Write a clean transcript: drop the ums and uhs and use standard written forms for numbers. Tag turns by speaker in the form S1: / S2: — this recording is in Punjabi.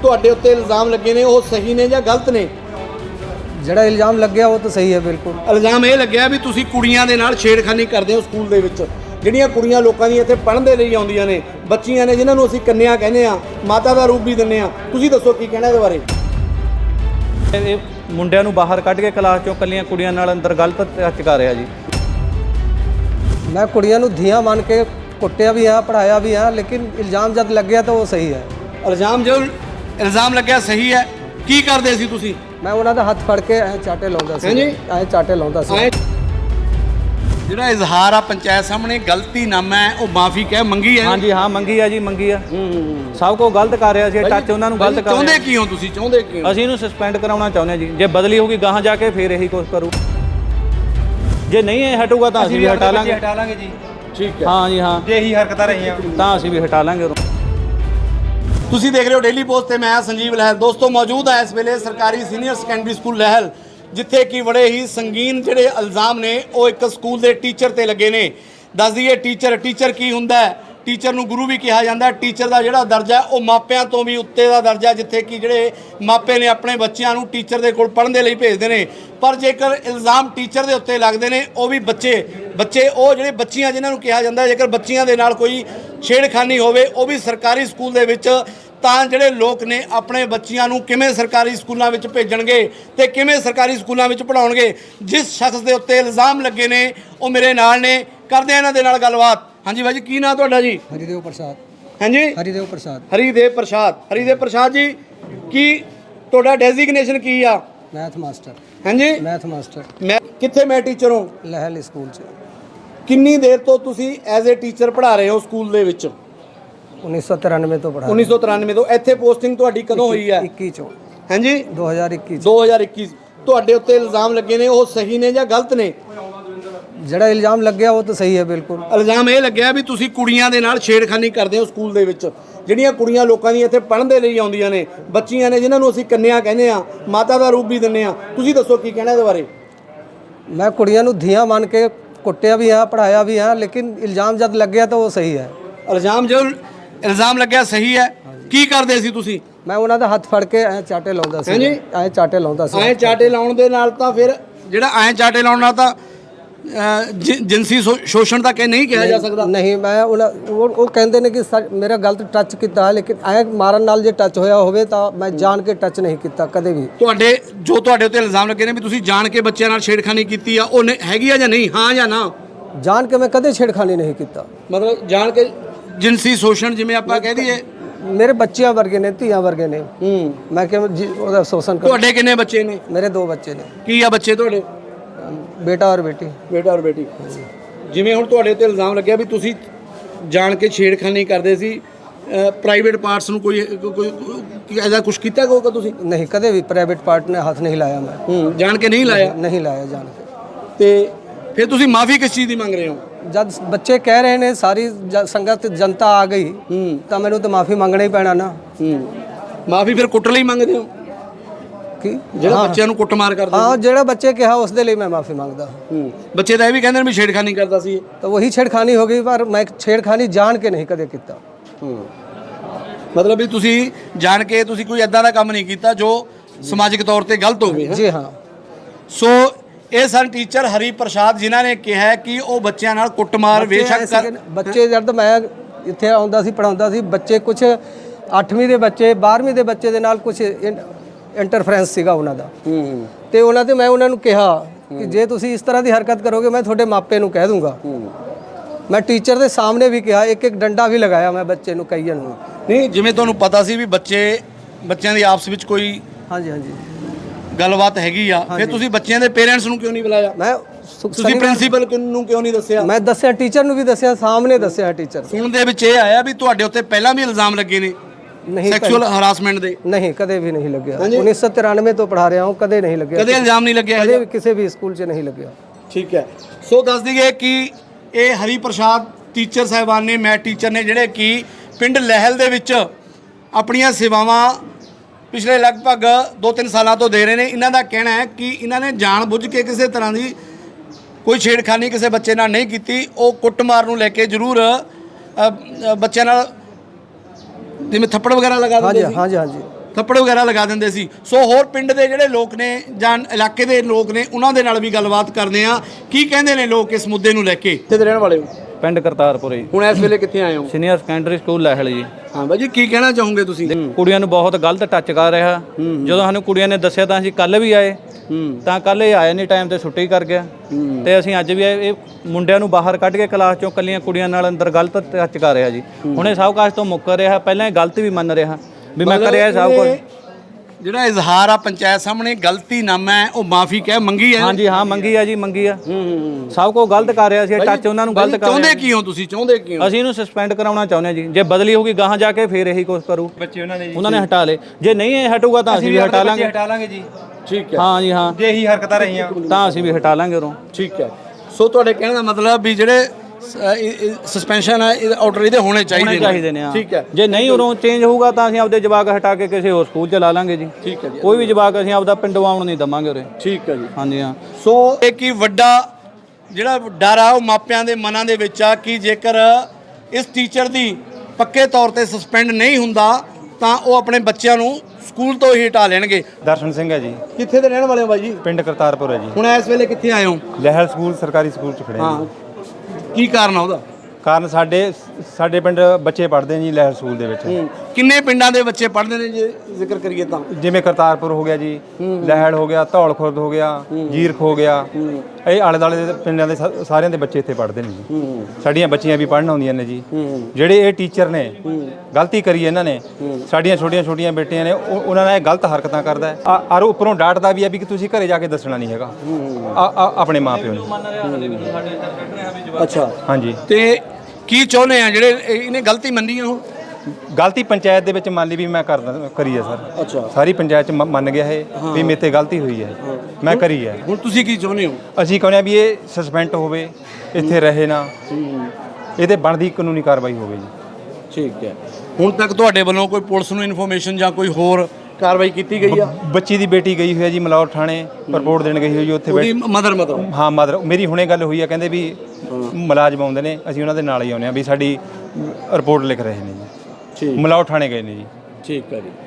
S1: ਤੁਹਾਡੇ ਉੱਤੇ ਇਲਜ਼ਾਮ ਲੱਗੇ ਨੇ ਉਹ ਸਹੀ ਨੇ ਜਾਂ ਗਲਤ ਨੇ?
S2: ਜਿਹੜਾ ਇਲਜ਼ਾਮ ਲੱਗਿਆ ਉਹ ਤਾਂ ਸਹੀ ਹੈ ਬਿਲਕੁਲ।
S1: ਇਲਜ਼ਾਮ ਇਹ ਲੱਗਿਆ ਵੀ ਤੁਸੀਂ ਕੁੜੀਆਂ ਦੇ ਨਾਲ ਛੇੜਖਾਨੀ ਕਰਦੇ ਹੋ ਸਕੂਲ ਦੇ ਵਿੱਚ। ਜਿਹੜੀਆਂ ਕੁੜੀਆਂ ਲੋਕਾਂ ਦੀਆਂ ਇੱਥੇ ਪੜ੍ਹਨ ਦੇ ਲਈ ਆਉਂਦੀਆਂ ਨੇ, ਬੱਚੀਆਂ ਨੇ ਜਿਨ੍ਹਾਂ ਨੂੰ ਅਸੀਂ ਕੰਨਿਆ ਕਹਿੰਦੇ ਆ, ਮਾਤਾ ਦਾ ਰੂਪ ਵੀ ਦਿੰਦੇ ਆ, ਤੁਸੀਂ ਦੱਸੋ ਕੀ ਕਹਿਣਾ ਇਹਦੇ ਬਾਰੇ?
S3: ਇਹ ਮੁੰਡਿਆਂ ਨੂੰ ਬਾਹਰ ਕੱਢ ਕੇ ਕਲਾਸ ਚੋਂ ਕੱਲੀਆਂ ਕੁੜੀਆਂ ਨਾਲ ਅੰਦਰ ਗਲਤ ਟੱਚ ਕਰ ਰਿਹਾ ਜੀ।
S2: ਮੈਂ ਕੁੜੀਆਂ ਨੂੰ ਧੀਆਂ ਮੰਨ ਕੇ ਕੁੱਟਿਆ ਵੀ ਆ, ਪੜ੍ਹਾਇਆ ਵੀ ਆ, ਲੇਕਿਨ ਇਲਜ਼ਾਮ ਜਦ ਲੱਗਿਆ ਤਾਂ ਉਹ ਸਹੀ ਹੈ।
S1: ਇਲਜ਼ਾਮ ਲੱਗਿਆ ਸਹੀ ਹੈ। ਕੀ ਕਰਦੇ ਸੀ ਤੁਸੀਂ?
S2: ਮੈਂ ਉਹਨਾਂ ਦਾ ਹੱਥ ਫੜ ਕੇ ਐ ਚਾਟੇ ਲਾਉਂਦਾ ਸੀ। ਐ ਚਾਟੇ ਲਾਉਂਦਾ ਸੀ।
S1: ਜਿਹੜਾ ਇਜ਼ਹਾਰ ਆ ਪੰਚਾਇਤ ਸਾਹਮਣੇ ਗਲਤੀਨਾਮਾ ਹੈ, ਉਹ ਮਾਫੀ ਕਹਿ ਮੰਗੀ ਹੈ?
S3: ਹਾਂਜੀ ਹਾਂ ਮੰਗੀ ਆ ਜੀ, ਮੰਗੀ ਆ। ਸਭ ਕੋ ਗਲਤ ਕਰ ਰਿਹਾ ਸੀ, ਟੱਚ ਉਹਨਾਂ ਨੂੰ ਗਲਤ ਕਰ ਰਿਹਾ।
S1: ਚਾਹੁੰਦੇ ਕੀ ਹੋ ਤੁਸੀਂ? ਚਾਹੁੰਦੇ ਕੀ ਹੋ?
S3: ਅਸੀਂ ਇਹਨੂੰ ਸਸਪੈਂਡ ਕਰਾਉਣਾ ਚਾਹੁੰਦੇ ਹਾਂ ਜੀ। ਜੇ ਬਦਲੀ ਹੋਊਗੀ ਗਾਹਾਂ ਜਾ ਕੇ ਫਿਰ ਇਹੀ ਕੁਛ ਕਰੂ। ਜੇ ਨਹੀਂ ਇਹ ਹਟੂਗਾ ਤਾਂ ਅਸੀਂ ਵੀ ਹਟਾ ਲਾਂਗੇ
S4: ਜੀ।
S1: ਠੀਕ ਹੈ।
S3: ਹਾਂ ਜੀ ਹਾਂ,
S4: ਜੇ ਇਹੀ ਹਰਕਤਾਂ ਰਹੀਆਂ
S3: ਤਾਂ ਅਸੀਂ ਵੀ ਹਟਾ ਲਾਂਗੇ।
S1: ਤੁਸੀਂ ਦੇਖ ਰਹੇ ਹੋ ਡੇਲੀ ਪੋਸਟ ਤੇ ਮੈਂ ਸੰਜੀਵ ਲਹਿਲ। ਦੋਸਤੋ ਮੌਜੂਦ ਹੈ ਇਸ ਵੇਲੇ ਸਰਕਾਰੀ ਸੀਨੀਅਰ ਸੈਕੰਡਰੀ ਸਕੂਲ ਲਹਿਲ, ਜਿੱਥੇ ਕਿ ਬੜੇ ਹੀ ਸੰਗੀਨ ਜਿਹੜੇ ਇਲਜ਼ਾਮ ਨੇ ਉਹ ਇੱਕ ਸਕੂਲ ਦੇ ਟੀਚਰ ਤੇ ਲੱਗੇ ਨੇ। ਦੱਸ ਦਈਏ ਟੀਚਰ ਕੀ ਹੁੰਦਾ ਹੈ? ਟੀਚਰ ਨੂੰ ਗੁਰੂ ਵੀ ਕਿਹਾ ਜਾਂਦਾ। ਟੀਚਰ ਦਾ ਜਿਹੜਾ ਦਰਜਾ ਉਹ ਮਾਪਿਆਂ ਤੋਂ ਵੀ ਉੱਤੇ ਦਾ ਦਰਜਾ, ਜਿੱਥੇ ਕਿ ਜਿਹੜੇ ਮਾਪੇ ਨੇ ਆਪਣੇ ਬੱਚਿਆਂ ਨੂੰ ਟੀਚਰ ਦੇ ਕੋਲ ਪੜ੍ਹਨ ਦੇ ਲਈ ਭੇਜਦੇ ਨੇ। ਪਰ ਜੇਕਰ ਇਲਜ਼ਾਮ ਟੀਚਰ ਦੇ ਉੱਤੇ ਲੱਗਦੇ ਨੇ, ਉਹ ਵੀ ਬੱਚੇ ਉਹ ਜਿਹੜੇ ਬੱਚੀਆਂ ਜਿਨ੍ਹਾਂ ਨੂੰ ਕਿਹਾ ਜਾਂਦਾ, ਜੇਕਰ ਬੱਚੀਆਂ ਦੇ ਨਾਲ ਕੋਈ ਛੇੜਖਾਨੀ ਹੋਵੇ, ਉਹ ਵੀ ਸਰਕਾਰੀ ਸਕੂਲ ਦੇ ਵਿੱਚ, ਤਾਂ ਜਿਹੜੇ ਲੋਕ ਨੇ ਆਪਣੇ ਬੱਚਿਆਂ ਨੂੰ ਕਿਵੇਂ ਸਰਕਾਰੀ ਸਕੂਲਾਂ ਵਿੱਚ ਭੇਜਣਗੇ ਤੇ ਕਿਵੇਂ ਸਰਕਾਰੀ ਸਕੂਲਾਂ ਵਿੱਚ ਪੜ੍ਹਾਉਣਗੇ? ਜਿਸ ਸ਼ਖਸ ਦੇ ਉੱਤੇ ਇਲਜ਼ਾਮ ਲੱਗੇ ਨੇ ਉਹ ਮੇਰੇ ਨਾਲ ਨੇ, ਕਰਦੇ ਆ ਇਹਨਾਂ ਦੇ ਨਾਲ ਗੱਲਬਾਤ। ਹਾਂਜੀ ਭਾਈ ਜੀ, ਕੀ ਨਾਂ ਤੁਹਾਡਾ ਜੀ?
S2: ਹਰੀਦੇਵ ਪ੍ਰਸਾਦ।
S1: ਹਾਂਜੀ,
S2: ਹਰੀਦੇਵ ਪ੍ਰਸਾਦ।
S1: ਹਰੀਦੇਵ ਪ੍ਰਸਾਦ ਜੀ, ਕੀ ਤੁਹਾਡਾ ਡੈਜ਼ਿਗਨੇਸ਼ਨ ਕੀ ਆ?
S2: Math master.
S1: ਹਾਂਜੀ,
S2: ਮੈਥ ਮਾਸਟਰ।
S1: ਕਿੱਥੇ ਮੈਂ ਟੀਚਰ ਹਾਂ?
S2: ਲਹਿਲ ਸਕੂਲ 'ਚ।
S1: ਕਿੰਨੀ ਦੇਰ ਤੋਂ ਤੁਸੀਂ ਐਜ਼ ਏ ਟੀਚਰ ਪੜ੍ਹਾ ਰਹੇ ਹੋ ਸਕੂਲ ਦੇ ਵਿੱਚ?
S2: 1993 ਤੋਂ ਪੜ੍ਹਾ।
S1: 1993 ਤੋਂ। ਇੱਥੇ ਪੋਸਟਿੰਗ ਤੁਹਾਡੀ ਕਦੋਂ ਹੋਈ ਹੈ?
S2: 21 ਚੋਂ।
S1: ਹਾਂਜੀ,
S2: 2021
S1: 2021। ਤੁਹਾਡੇ ਉੱਤੇ ਇਲਜ਼ਾਮ ਲੱਗੇ ਨੇ ਉਹ ਸਹੀ ਨੇ ਜਾਂ ਗਲਤ ਨੇ?
S2: ਜਿਹੜਾ ਇਲਜ਼ਾਮ ਲੱਗਿਆ ਉਹ ਤਾਂ ਸਹੀ ਹੈ ਬਿਲਕੁਲ।
S1: ਇਲਜ਼ਾਮ ਇਹ ਲੱਗਿਆ ਵੀ ਤੁਸੀਂ ਕੁੜੀਆਂ ਦੇ ਨਾਲ ਛੇੜਖਾਨੀ ਕਰਦੇ ਹੋ ਸਕੂਲ ਦੇ ਵਿੱਚ। ਜਿਹੜੀਆਂ ਕੁੜੀਆਂ ਲੋਕਾਂ ਦੀਆਂ ਇੱਥੇ ਪੜ੍ਹਨ ਦੇ ਲਈ ਆਉਂਦੀਆਂ ਨੇ, ਬੱਚੀਆਂ ਨੇ ਜਿਨ੍ਹਾਂ ਨੂੰ ਅਸੀਂ ਕੰਨਿਆ ਕਹਿੰਦੇ ਆ, ਮਾਤਾ ਦਾ ਰੂਪ ਵੀ ਦਿੰਦੇ ਆ, ਤੁਸੀਂ ਦੱਸੋ ਕੀ ਕਹਿਣਾ ਇਹਦੇ ਬਾਰੇ?
S2: ਮੈਂ ਕੁੜੀਆਂ ਨੂੰ ਧੀਆਂ ਮੰਨ ਕੇ ਕੁੱਟਿਆ ਵੀ ਆ, ਪੜ੍ਹਾਇਆ ਵੀ ਆ, ਲੇਕਿਨ ਇਲਜ਼ਾਮ ਜਦ ਲੱਗਿਆ ਤਾਂ ਉਹ ਸਹੀ ਹੈ।
S1: ਇਲਜ਼ਾਮ ਲੱਗਿਆ ਸਹੀ ਹੈ। ਕੀ ਕਰਦੇ ਸੀ ਤੁਸੀਂ?
S2: ਮੈਂ ਉਹਨਾਂ ਦਾ ਹੱਥ ਫੜ ਕੇ ਐ ਚਾਟੇ ਲਾਉਂਦਾ ਸੀ। ਐ ਚਾਟੇ ਲਾਉਂਦਾ ਸੀ।
S1: ਐਂ ਚਾਟੇ ਲਾਉਣ ਦੇ ਨਾਲ ਤਾਂ ਫਿਰ ਜਿਹੜਾ ਐਂ ਚਾਟੇ ਲਾਉਣ ਨਾਲ ਤਾਂ ਜਿਨਸੀ ਸ਼ੋਸ਼ਣ ਤਾਂ ਨਹੀਂ ਕਿਹਾ ਜਾ ਸਕਦਾ।
S2: ਨਹੀਂ, ਮੈਂ ਉਹ ਕਹਿੰਦੇ ਨੇ ਕਿ ਮੇਰਾ ਗਲਤ ਟੱਚ ਕੀਤਾ, ਲੇਕਿਨ ਐ ਮਾਰਨ ਨਾਲ ਜੇ ਟੱਚ ਹੋਇਆ ਹੋਵੇ ਤਾਂ ਮੈਂ ਜਾਣ ਕੇ ਟੱਚ ਨਹੀਂ ਕੀਤਾ ਕਦੇ ਵੀ।
S1: ਤੁਹਾਡੇ ਉੱਤੇ ਇਲਜ਼ਾਮ ਲੱਗੇ ਨੇ ਵੀ ਤੁਸੀਂ ਜਾਣ ਕੇ ਬੱਚਿਆਂ ਨਾਲ ਛੇੜਖਾਨੀ ਕੀਤੀ ਆ, ਉਹ ਹੈਗੀ ਆ ਜਾਂ ਨਹੀਂ? ਹਾਂ ਜਾਂ ਨਾ?
S2: ਜਾਣ ਕੇ ਮੈਂ ਕਦੇ ਛੇੜਖਾਨੀ ਨਹੀਂ ਕੀਤਾ।
S1: ਮਤਲਬ ਜਾਣ ਕੇ ਜਿਨਸੀ ਸ਼ੋਸ਼ਣ, ਜਿਵੇਂ ਆਪਾਂ ਕਹਿ ਦਈਏ,
S2: ਮੇਰੇ ਬੱਚਿਆਂ ਵਰਗੇ ਨੇ, ਧੀਆਂ ਵਰਗੇ ਨੇ। ਮੈਂ ਕਿਹਾ ਉਹਦਾ ਸ਼ੋਸ਼ਣ ਕਰ।
S1: ਤੁਹਾਡੇ ਕਿੰਨੇ ਬੱਚੇ ਨੇ?
S2: ਮੇਰੇ 2 ਬੱਚੇ ਨੇ।
S1: ਕੀ ਆ ਬੱਚੇ ਤੁਹਾਡੇ?
S2: ਬੇਟਾ ਔਰ ਬੇਟੀ।
S1: ਬੇਟਾ ਔਰ ਬੇਟੀ। ਜਿਵੇਂ ਹੁਣ ਤੁਹਾਡੇ ਤੇ ਇਲਜ਼ਾਮ ਲੱਗਿਆ ਵੀ ਤੁਸੀਂ ਜਾਣ ਕੇ ਛੇੜਖਾਨੀ ਕਰਦੇ ਸੀ ਪ੍ਰਾਈਵੇਟ ਪਾਰਟਸ ਨੂੰ, ਕੋਈ ਐਸਾ ਕੁਝ ਕੀਤਾ ਹੋਊਗਾ ਤੁਸੀਂ?
S2: ਨਹੀਂ, ਕਦੇ ਵੀ ਪ੍ਰਾਈਵੇਟ ਪਾਰਟ ਨੇ ਹੱਥ ਨਹੀਂ ਲਾਇਆ। ਮੈਂ
S1: ਜਾਣ ਕੇ ਨਹੀਂ ਲਾਇਆ?
S2: ਨਹੀਂ ਲਾਇਆ ਜਾਣ ਕੇ।
S1: ਤੇ ਫਿਰ ਤੁਸੀਂ ਮਾਫੀ ਕਿਸ ਚੀਜ਼ ਦੀ ਮੰਗ ਰਹੇ ਹੋ?
S2: ਜਦ ਬੱਚੇ ਕਹਿ ਰਹੇ ਨੇ, ਸਾਰੀ ਸੰਗਤ ਜਨਤਾ ਆ ਗਈ, ਤਾਂ ਮੈਨੂੰ ਤਾਂ ਮਾਫੀ ਮੰਗਣਾ ਹੀ ਪੈਣਾ ਨਾ।
S1: ਮਾਫੀ ਫਿਰ ਕੁੱਟ ਲਈ ਮੰਗਦੇ ਹੋ?
S2: ਕੀ
S1: ਜਿਹੜਾ ਬੱਚਿਆਂ ਨੂੰ ਕੁੱਟਮਾਰ ਕਰਦਾ?
S2: ਹਾਂ, ਜਿਹੜਾ ਬੱਚੇ ਕਿਹਾ ਉਸ ਦੇ ਲਈ ਮੈਂ ਮਾਫੀ ਮੰਗਦਾ।
S1: ਬੱਚੇ ਤਾਂ ਇਹ ਵੀ ਕਹਿੰਦੇ ਨੇ ਵੀ ਛੇੜਖਾਨੀ ਕਰਦਾ ਸੀ।
S2: ਤਾਂ ਉਹੀ ਛੇੜਖਾਨੀ ਹੋ ਗਈ, ਪਰ ਮੈਂ ਛੇੜਖਾਨੀ ਜਾਣ ਕੇ ਨਹੀਂ ਕਦੇ ਕੀਤਾ।
S1: ਮਤਲਬ ਵੀ ਤੁਸੀਂ ਜਾਣ ਕੇ ਤੁਸੀਂ ਕੋਈ ਐਦਾਂ ਦਾ ਕੰਮ ਨਹੀਂ ਕੀਤਾ ਜੋ ਸਮਾਜਿਕ ਤੌਰ ਤੇ ਗਲਤ ਹੋਵੇ?
S2: ਜੀ ਹਾਂ।
S1: ਸੋ ਇਹ ਸਨ ਟੀਚਰ ਹਰੀ ਪ੍ਰਸਾਦ, ਜਿਨ੍ਹਾਂ ਨੇ ਕਿਹਾ ਕਿ ਉਹ ਬੱਚਿਆਂ ਨਾਲ ਕੁੱਟਮਾਰ ਬੇਸ਼ੱਕ
S2: ਬੱਚੇ ਜਦ ਮੈਂ ਇੱਥੇ ਆਉਂਦਾ ਸੀ, ਪੜਾਉਂਦਾ ਸੀ, ਬੱਚੇ ਕੁਝ 8ਵੀਂ ਦੇ ਬੱਚੇ, 12ਵੀਂ ਦੇ ਬੱਚੇ ਦੇ ਨਾਲ ਕੁਝ ਇੰਟਰਫਰੈਂਸ ਸੀਗਾ ਉਹਨਾਂ ਦਾ। ਤੇ ਮੈਂ ਉਹਨਾਂ ਨੂੰ ਕਿਹਾ ਕਿ ਜੇ ਤੁਸੀਂ ਇਸ ਤਰ੍ਹਾਂ ਦੀ ਹਰਕਤ ਕਰੋਗੇ ਮੈਂ ਤੁਹਾਡੇ ਮਾਪੇ ਨੂੰ ਕਹਿ ਦੂੰਗਾ। ਮੈਂ ਟੀਚਰ ਦੇ ਸਾਹਮਣੇ ਵੀ ਕਿਹਾ, ਇੱਕ ਡੰਡਾ ਵੀ ਲਗਾਇਆ ਮੈਂ ਬੱਚੇ ਨੂੰ, ਕਈਆਂ ਨੂੰ।
S1: ਨਹੀਂ, ਜਿਵੇਂ ਤੁਹਾਨੂੰ ਪਤਾ ਸੀ ਵੀ ਬੱਚਿਆਂ ਦੀ ਆਪਸ ਵਿੱਚ ਕੋਈ
S2: ਹਾਂਜੀ
S1: ਗੱਲਬਾਤ ਹੈਗੀ ਆ, ਫਿਰ ਤੁਸੀਂ ਬੱਚਿਆਂ ਦੇ ਪੇਰੈਂਟਸ ਨੂੰ ਕਿਉਂ ਨਹੀਂ ਬੁਲਾਇਆ? ਤੁਸੀਂ ਪ੍ਰਿੰਸੀਪਲ ਨੂੰ ਕਿਉਂ ਨਹੀਂ ਦੱਸਿਆ?
S2: ਮੈਂ ਦੱਸਿਆ, ਟੀਚਰ ਨੂੰ ਵੀ ਦੱਸਿਆ, ਸਾਹਮਣੇ ਦੱਸਿਆ ਟੀਚਰ।
S1: ਸੁਣਨ ਦੇ ਵਿੱਚ ਇਹ ਆਇਆ ਵੀ ਤੁਹਾਡੇ ਉੱਤੇ ਪਹਿਲਾਂ ਵੀ ਇਲਜ਼ਾਮ ਲੱਗੇ ਨੇ
S2: ਨਹੀਂ,
S1: ਸੈਕਸ਼ੂਅਲ ਹਰਾਸਮੈਂਟ ਦੇ?
S2: ਨਹੀਂ, ਕਦੇ ਵੀ ਨਹੀਂ ਲੱਗਿਆ। 1993 ਤੋਂ ਪੜ੍ਹਾ ਰਿਹਾ ਹਾਂ, ਕਦੇ ਨਹੀਂ ਲੱਗਿਆ।
S1: ਕਦੇ ਇਲਜ਼ਾਮ ਨਹੀਂ ਲੱਗਿਆ?
S2: ਕਦੇ ਵੀ ਕਿਸੇ ਵੀ ਸਕੂਲ 'ਚ ਨਹੀਂ ਲੱਗਿਆ।
S1: ਠੀਕ ਹੈ। ਸੋ ਦੱਸ ਦਈਏ ਕਿ ਇਹ ਹਰੀ ਪ੍ਰਸਾਦ ਟੀਚਰ ਸਾਹਿਬਾਨ ਨੇ, ਮੈਥ ਟੀਚਰ ਨੇ, ਜਿਹੜੇ ਕਿ ਪਿੰਡ ਲਹਿਲ ਦੇ ਵਿੱਚ ਆਪਣੀਆਂ ਸੇਵਾਵਾਂ ਪਿਛਲੇ ਲਗਭਗ 2-3 ਸਾਲਾਂ ਤੋਂ ਦੇ ਰਹੇ ਨੇ। ਇਹਨਾਂ ਦਾ ਕਹਿਣਾ ਹੈ ਕਿ ਇਹਨਾਂ ਨੇ ਜਾਣ ਬੁੱਝ ਕੇ ਕਿਸੇ ਤਰ੍ਹਾਂ ਦੀ ਕੋਈ ਛੇੜਖਾਨੀ ਕਿਸੇ ਬੱਚੇ ਨਾਲ ਨਹੀਂ ਕੀਤੀ। ਉਹ ਕੁੱਟਮਾਰ ਨੂੰ ਲੈ ਕੇ ਜ਼ਰੂਰ ਬੱਚਿਆਂ ਨਾਲ ਜਿਵੇਂ ਥੱਪੜ ਵਗੈਰਾ ਲਗਾ ਦਿੰਦੇ ਸੀ।
S2: ਹਾਂਜੀ।
S1: ਥੱਪੜ ਵਗੈਰਾ ਲਗਾ ਦਿੰਦੇ ਸੀ। ਸੋ ਹੋਰ ਪਿੰਡ ਦੇ ਜਿਹੜੇ ਲੋਕ ਨੇ ਜਾਂ ਇਲਾਕੇ ਦੇ ਲੋਕ ਨੇ ਉਹਨਾਂ ਦੇ ਨਾਲ ਵੀ ਗੱਲਬਾਤ ਕਰਦੇ ਆ, ਕੀ ਕਹਿੰਦੇ ਨੇ ਲੋਕ ਇਸ ਮੁੱਦੇ ਨੂੰ ਲੈ ਕੇ। ਇੱਥੇ ਦੇ ਰਹਿਣ ਵਾਲੇ ਹੋ?
S3: ਪਿੰਡ ਕਰਤਾਰਪੁਰ ਜੀ।
S1: ਹੁਣ ਇਸ ਵੇਲੇ ਕਿੱਥੇ ਆਏ ਹੋ?
S3: ਸੀਨੀਅਰ ਸੈਕੰਡਰੀ ਸਕੂਲ ਲਹਿਲ ਜੀ।
S1: ਹਾਂ ਬਾਈ ਜੀ, ਕੀ ਕਹਿਣਾ ਚਾਹੋਗੇ ਤੁਸੀਂ?
S3: ਕੁੜੀਆਂ ਨੂੰ ਬਹੁਤ ਗਲਤ ਟੱਚ ਕਰ ਰਿਹਾ। ਜਦੋਂ ਸਾਨੂੰ ਕੁੜੀਆਂ ਨੇ ਦੱਸਿਆ ਤਾਂ ਅਸੀਂ ਕੱਲ ਵੀ ਆਏ, ਤਾਂ ਕੱਲ ਇਹ ਆਇਆ ਨਹੀਂ ਟਾਈਮ ਤੇ ਛੁੱਟੀ ਕਰ ਗਿਆ, ਤੇ ਅਸੀਂ ਅੱਜ ਵੀ ਆਏ। ਇਹ ਮੁੰਡਿਆਂ ਨੂੰ ਬਾਹਰ ਕੱਢ ਕੇ ਕਲਾਸ ਚੋਂ ਕੱਲੀਆਂ ਕੁੜੀਆਂ ਨਾਲ ਅੰਦਰ ਗਲਤ ਟੱਚ ਕਰ ਰਿਹਾ ਜੀ। ਹੁਣ ਇਹ ਸਭ ਕਾਸ਼ ਤੋਂ ਮੁੱਕਰ ਰਿਹਾ, ਪਹਿਲਾਂ ਇਹ ਗਲਤ ਵੀ ਮੰਨ ਰਿਹਾ ਵੀ ਮੈਂ ਕਰਿਆ ਸਭ ਕੁਝ।
S1: ਜਿਹੜਾ ਇਜ਼ਹਾਰ ਆ ਪੰਚਾਇਤ ਸਾਹਮਣੇ ਗਲਤੀਨਾਮਾ ਹੈ, ਉਹ ਮਾਫੀ ਕਹਿ ਮੰਗੀ ਹੈ।
S3: ਹਾਂਜੀ ਹਾਂ ਮੰਗੀ ਆ ਜੀ, ਮੰਗੀ ਆ। ਸਭ ਕੁਝ ਗਲਤ ਕਰ ਰਿਹਾ ਸੀ, ਟੱਚ ਉਹਨਾਂ ਨੂੰ ਗਲਤ ਕਰ ਰਿਹਾ।
S1: ਚਾਹੁੰਦੇ ਕੀ ਹੋ ਤੁਸੀਂ? ਚਾਹੁੰਦੇ ਕੀ ਹੋ?
S3: ਅਸੀਂ ਇਹਨੂੰ ਸਸਪੈਂਡ ਕਰਾਉਣਾ ਚਾਹੁੰਦੇ ਹਾਂ ਜੀ। ਜੇ ਬਦਲੀ ਹੋਊਗੀ ਗਾਹਾਂ ਜਾ ਕੇ ਫਿਰ ਇਹੀ ਕੁਝ ਕਰੂ।
S4: ਬੱਚੇ
S3: ਉਹਨਾਂ ਨੇ ਹਟਾ ਲਏ, ਜੇ ਨਹੀਂ ਇਹ ਹਟੂਗਾ ਤਾਂ ਅਸੀਂ ਵੀ ਹਟਾ ਲਾਂਗੇ
S4: ਜੀ।
S1: ਠੀਕ ਹੈ।
S3: ਹਾਂ ਜੀ ਹਾਂ,
S4: ਜੇ ਇਹੀ ਹਰਕਤਾਂ ਰਹੀਆਂ
S3: ਤਾਂ ਅਸੀਂ ਵੀ ਹਟਾ ਲਾਂਗੇ ਉਰੋਂ।
S1: ਠੀਕ ਹੈ। ਸੋ ਤੁਹਾਡੇ ਕਹਿਣ ਦਾ ਮਤਲਬ ਵੀ ਜਿਹੜੇ ਸਸਪੈਂਸ਼ਨ ਹੈ, ਇਹ ਆਰਡਰ ਇਹਦੇ ਹੋਣੇ ਚਾਹੀਦੇ
S3: ਨੇ।
S1: ਠੀਕ ਹੈ।
S3: ਜੇ ਨਹੀਂ ਉਰੋਂ ਚੇਂਜ ਹੋਊਗਾ ਤਾਂ ਅਸੀਂ ਆਪਦੇ ਜਵਾਕ ਹਟਾ ਕੇ ਕਿਸੇ ਹੋਰ ਸਕੂਲ ਚ ਲਾ ਲਾਂਗੇ ਜੀ।
S1: ਠੀਕ ਹੈ ਜੀ।
S3: ਕੋਈ ਵੀ ਜਵਾਕ ਅਸੀਂ ਆਪਦਾ ਪਿੰਡੋਂ ਆਉਣ ਨਹੀਂ ਦਵਾਂਗੇ ਉਰੇ।
S1: ਠੀਕ ਹੈ ਜੀ।
S3: ਹਾਂਜੀ ਹਾਂ।
S1: ਸੋ ਇਹ ਕੀ ਵੱਡਾ ਜਿਹੜਾ ਡਰ ਆ ਉਹ ਮਾਪਿਆਂ ਦੇ ਮਨਾਂ ਦੇ ਵਿੱਚ ਆ ਕਿ ਜੇਕਰ ਇਸ ਟੀਚਰ ਦੀ ਪੱਕੇ ਤੌਰ ਤੇ ਸਸਪੈਂਡ ਨਹੀਂ ਹੁੰਦਾ ਤਾਂ ਉਹ ਆਪਣੇ ਬੱਚਿਆਂ ਨੂੰ ਸਕੂਲ ਤੋਂ ਹੀ ਹਟਾ ਲੈਣਗੇ।
S4: ਦਰਸ਼ਨ ਸਿੰਘ ਹੈ ਜੀ,
S1: ਕਿੱਥੇ ਦੇ ਰਹਿਣ ਵਾਲੇ ਹੋ ਬਾਈ ਜੀ?
S4: ਪਿੰਡ ਕਰਤਾਰਪੁਰ ਹੈ ਜੀ।
S1: ਹੁਣ ਇਸ ਵੇਲੇ ਕਿੱਥੇ ਆਏ ਹੋ?
S4: ਲਹਿਲ ਸਕੂਲ ਸਰਕਾਰੀ ਸਕੂਲ ਚ ਖੜੇ ਹਾਂ।
S1: ਕੀ ਕਾਰਨ ਆ ਉਹਦਾ?
S4: ਕਾਰਨ ਸਾਡੇ ਪਿੰਡ ਬੱਚੇ ਪੜ੍ਹਦੇ ਨੇ ਜੀ ਲਹਿਲ ਸਕੂਲ ਦੇ ਵਿੱਚ।
S1: ਕਿੰਨੇ ਪਿੰਡਾਂ ਦੇ ਬੱਚੇ ਪੜ੍ਹਦੇ ਨੇ ਜੇ ਜ਼ਿਕਰ ਕਰੀਏ ਤਾਂ?
S4: ਜਿਵੇਂ ਕਰਤਾਰਪੁਰ ਹੋ ਗਿਆ ਜੀ, ਲਹਿਲ ਹੋ ਗਿਆ, ਧੌਲ ਖੁਰਦ ਹੋ ਗਿਆ, ਜੀਰਖ ਹੋ ਗਿਆ, ਇਹ ਆਲੇ ਦੁਆਲੇ ਦੇ ਪਿੰਡਾਂ ਦੇ ਸਾਰਿਆਂ ਦੇ ਬੱਚੇ ਇੱਥੇ ਪੜ੍ਹਦੇ ਨੇ ਜੀ। ਸਾਡੀਆਂ ਬੱਚੀਆਂ ਵੀ ਪੜ੍ਹਨ ਆਉਂਦੀਆਂ ਨੇ ਜੀ। ਜਿਹੜੇ ਇਹ ਟੀਚਰ ਨੇ ਗਲਤੀ ਕਰੀ ਇਹਨਾਂ ਨੇ, ਸਾਡੀਆਂ ਛੋਟੀਆਂ ਬੇਟੀਆਂ ਨੇ, ਉਹਨਾਂ ਨਾਲ ਇਹ ਗਲਤ ਹਰਕਤਾਂ ਕਰਦਾ ਹੈ। ਔਰ ਉੱਪਰੋਂ ਡਾਂਟਦਾ ਵੀ ਹੈ ਵੀ ਕਿ ਤੁਸੀਂ ਘਰੇ ਜਾ ਕੇ ਦੱਸਣਾ ਨਹੀਂ ਹੈਗਾ ਆਪਣੇ ਮਾਪਿਓ ਨੂੰ।
S1: ਅੱਛਾ।
S4: ਹਾਂਜੀ।
S1: ਤੇ ਕੀ ਚਾਹੁੰਦੇ ਆ ਜਿਹੜੇ ਇਹਨੇ ਗਲਤੀ ਮੰਨੀ ਆ? ਉਹ
S4: ਗਲਤੀ ਪੰਚਾਇਤ ਦੇ ਵਿੱਚ ਮੰਨ ਲਈ ਵੀ ਮੈਂ ਕਰੀ ਹੈ ਸਰ।
S1: ਅੱਛਾ।
S4: ਸਾਰੀ ਪੰਚਾਇਤ ਚ ਮੰਨ ਗਿਆ ਇਹ ਵੀ ਮੇਰੇ ਤੇ ਗਲਤੀ ਹੋਈ ਹੈ, ਮੈਂ ਕਰੀ ਹੈ।
S1: ਹੁਣ ਤੁਸੀਂ ਕੀ ਚਾਹੁੰਦੇ ਹੋ?
S4: ਅਸੀਂ ਕਹਿੰਦੇ ਆ ਵੀ ਇਹ ਸਸਪੈਂਡ ਹੋਵੇ, ਇੱਥੇ ਰਹੇ ਨਾ, ਇਹਦੇ ਬਣਦੀ ਕਾਨੂੰਨੀ ਕਾਰਵਾਈ ਹੋਵੇ ਜੀ।
S1: ਠੀਕ ਹੈ। ਹੁਣ ਤੱਕ ਤੁਹਾਡੇ ਵੱਲੋਂ ਕੋਈ ਪੁਲਿਸ ਨੂੰ ਇਨਫੋਰਮੇਸ਼ਨ ਜਾਂ ਕੋਈ ਹੋਰ ਕਾਰਵਾਈ ਕੀਤੀ ਗਈ ਆ?
S4: ਬੱਚੀ ਦੀ ਬੇਟੀ ਗਈ ਹੋਈ ਹੈ ਜੀ ਮਲੌਟ ਥਾਣੇ, ਰਿਪੋਰਟ ਦੇਣ ਗਈ ਹੋਈ ਉੱਥੇ
S1: ਉਹਦੀ ਮਦਰ ਮਤਲਬ?
S4: ਹਾਂ ਮਦਰ। ਮੇਰੀ ਹੁਣੇ ਗੱਲ ਹੋਈ ਹੈ, ਕਹਿੰਦੇ ਵੀ ਮੁਲਾਜ਼ਮ ਆਉਂਦੇ ਨੇ, ਅਸੀਂ ਉਹਨਾਂ ਦੇ ਨਾਲ ਹੀ ਆਉਂਦੇ ਹਾਂ ਵੀ ਸਾਡੀ ਰਿਪੋਰਟ ਲਿਖ ਰਹੇ ਨੇ ਜੀ।
S1: ਠੀਕ।
S4: ਮਲੌਟ ਥਾਣੇ ਗਏ ਨੇ ਜੀ।
S1: ਠੀਕ ਹੈ ਜੀ।